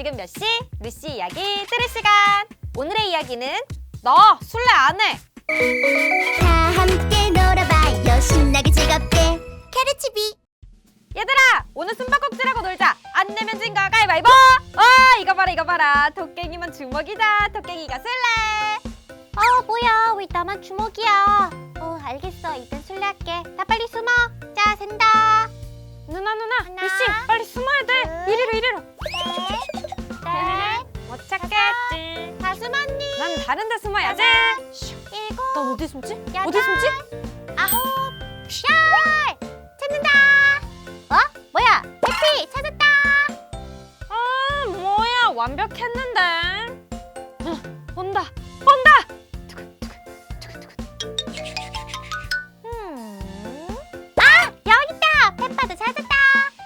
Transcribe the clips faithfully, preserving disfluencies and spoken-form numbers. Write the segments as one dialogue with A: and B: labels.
A: 지금 몇 시? 루시 이야기 들을 시간. 오늘의 이야기는 나 술래 안 해.
B: 다 함께 놀아봐요. 신나게 즐겁게 캐르치비.
A: 얘들아, 오늘 숨바꼭질하고 놀자. 안 내면 진 거 가위바위보. 와, 이거 봐라 이거 봐라. 토깽이만 주먹이다. 토깽이가 술래.
B: 어 뭐야, 왜 나만 주먹이야? 어 알겠어, 일단 술래할게. 나 빨리 숨어. 자, 샌다.
A: 누나 누나,
B: 하나,
A: 루시 빨리 숨어야 돼.
B: 둘,
A: 이리로 이리로.
B: 넷,
A: 못 찾겠지.
B: 다 숨었니?
A: 난 다른 데 숨어야지.
B: 일곱,
A: 넌 어디 숨지?
B: 여덟,
A: 어디 숨지?
B: 아홉, 열. 찾는다. 어? 뭐야? 해피 찾았다.
A: 아, 뭐야, 완벽했는데. 어, 온다 온다.
B: 음. 아, 여기 있다. 페파도 찾았다.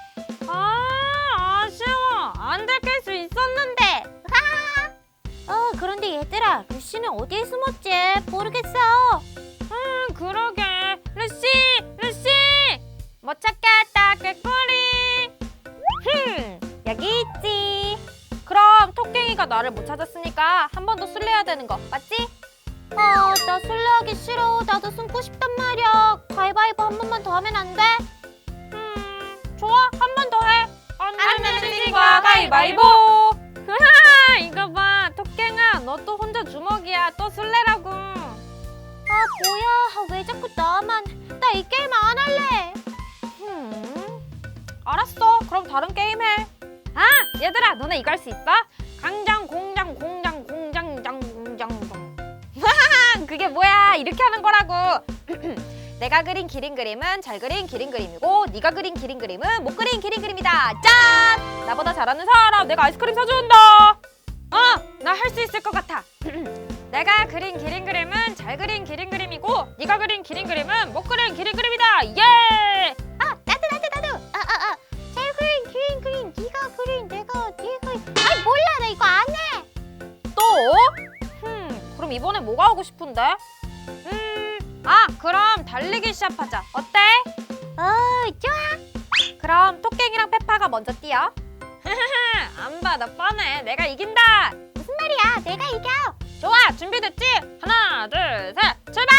A: 아, 아쉬워. 안 들킬 수 있었는데.
B: 어, 그런데 얘들아, 루시는 어디에 숨었지? 모르겠어.
A: 음, 그러게. 루시, 루시. 못 찾겠다, 꾀꼬리. 흠, 여기 있지. 그럼 토깽이가 나를 못 찾았으니까 한 번 더 술래해야 되는 거 맞지?
B: 아, 나 술래하기 싫어. 나도 숨고 싶단 말이야. 가위바위보 한 번만 더 하면 안 돼?
A: 음, 좋아. 한 번 더 해. 안
B: 안
A: 내면
B: 내면
A: 진 거야, 가위바위보. 하하, 이거 봐. 토깽아, 너 또 혼자 주먹이야. 또 술래라고.
B: 아, 뭐야. 아, 왜 자꾸 나만. 나 이 게임 안 할래.
A: 음, 알았어. 그럼 다른 게임 해. 아, 얘들아, 너네 이거 할 수 있어? 강장, 공장, 공장, 공장, 장, 공장, 장. 하하, 그게 뭐야? 이렇게 하는 거라고. 내가 그린 기린 그림은 잘 그린 기린 그림이고, 네가 그린 기린 그림은 못 그린 기린 그림이다. 짠! 나보다 잘하는 사람, 내가 아이스크림 사준다. 어, 나 할 수 있을 것 같아. 내가 그린 기린 그림은 잘 그린 기린 그림이고, 네가 그린 기린 그림은 못 그린 기린 그림이다. 예!
B: 아, 나도, 나도, 나도. 아, 아, 아. 잘 그린, 그린, 그린. 네가 그린, 내가, 네가 그린. 아이, 몰라. 나 이거 안 해.
A: 또? 흠, 그럼 이번에 뭐가 하고 싶은데? 음, 아, 그럼 달리기 시합하자. 어때?
B: 어, 좋아.
A: 그럼 토깽이랑 페파가 먼저 뛰어. 안 봐, 나 뻔해. 내가 이긴다.
B: 무슨 말이야? 내가 이겨.
A: 좋아, 준비됐지? 하나, 둘, 셋, 출발!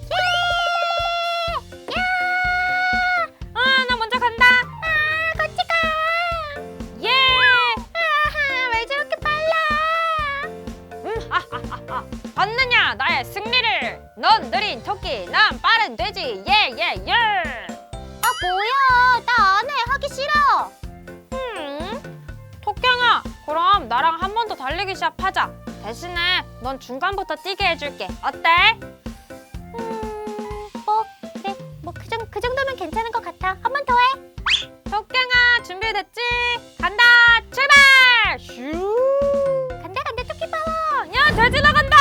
B: 예! 야!
A: 아, 나 먼저 간다.
B: 아, 같이 가.
A: 예!
B: 아하, 왜 저렇게 빨라?
A: 음, 하하하하. 봤느냐, 나의 승리를. 넌 느린 토끼, 난 빠른 돼지. 예, 예, 예.
B: 아, 뭐야? 나 안 해. 하기 싫어.
A: 음, 토깽아, 그럼 나랑 한 번 더 달리기 시합하자. 대신에 넌 중간부터 뛰게 해줄게. 어때?
B: 음, 뭐 그래. 뭐 그 정도 그 정도면 괜찮은 것 같아. 한 번 더 해.
A: 토깽아, 준비됐지? 간다, 출발! 슈!
B: 간다 간다 토끼 파워.
A: 야, 돼지 나간다!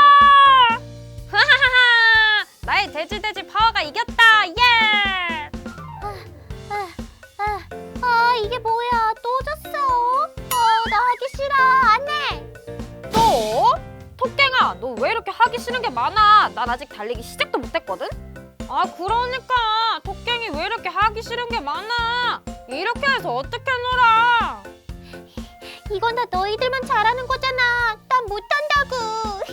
A: 하하하하! 나의 돼지 돼지 파워가 이겼다! 예!
B: 아, 아, 아, 이게 뭐야? 또 졌어. 어, 나 하기 싫어. 안 해.
A: 또? 토깽아, 너 왜 이렇게 하기 싫은 게 많아? 난 아직 달리기 시작도 못했거든? 아, 그러니까 토깽이 왜 이렇게 하기 싫은 게 많아? 이렇게 해서 어떻게 놀아?
B: 이건 다 너희들만 잘하는 거잖아. 난 못한다고.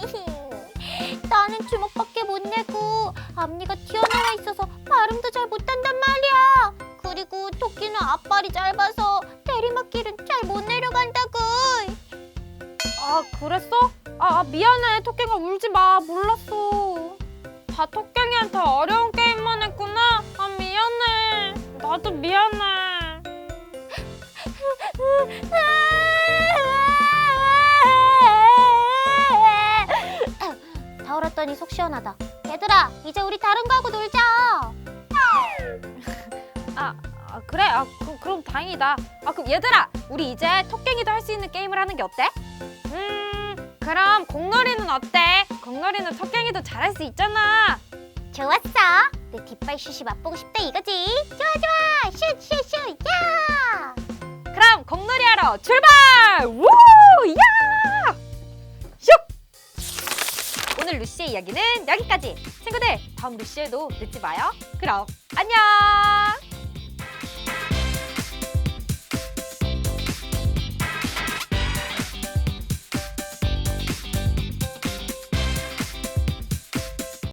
B: 나는 주먹밖에 못 내고 앞니가 튀어나와 있어서 발음도 잘 못한단 말이야. 그리고 토끼는 앞발이 짧아서 내리막길은 잘 못 내려간다고.
A: 아, 그랬어? 아, 아, 미안해. 토깽아, 울지 마. 몰랐어. 다 토깽이한테 어려운 게임만 했구나. 아, 미안해. 나도 미안해.
B: 다 울었더니 속 시원하다. 얘들아, 이제 우리 다른 거 하고 놀자.
A: 아, 아 그래? 아, 그, 그럼 다행이다. 아, 그럼 얘들아, 우리 이제 토깽이도 할 수 있는 게임을 하는 게 어때? 음, 그럼 공놀이는 어때? 공놀이는 토깽이도 잘할 수 있잖아.
B: 좋았어. 내 뒷발 슛이 맛보고 싶다 이거지. 좋아 좋아. 슛 슛 슛. 야.
A: 그럼 공놀이 하러 출발! 우! 야! 슉! 오늘 루시의 이야기는 여기까지. 친구들, 다음 루시에도 늦지 마요. 그럼 안녕!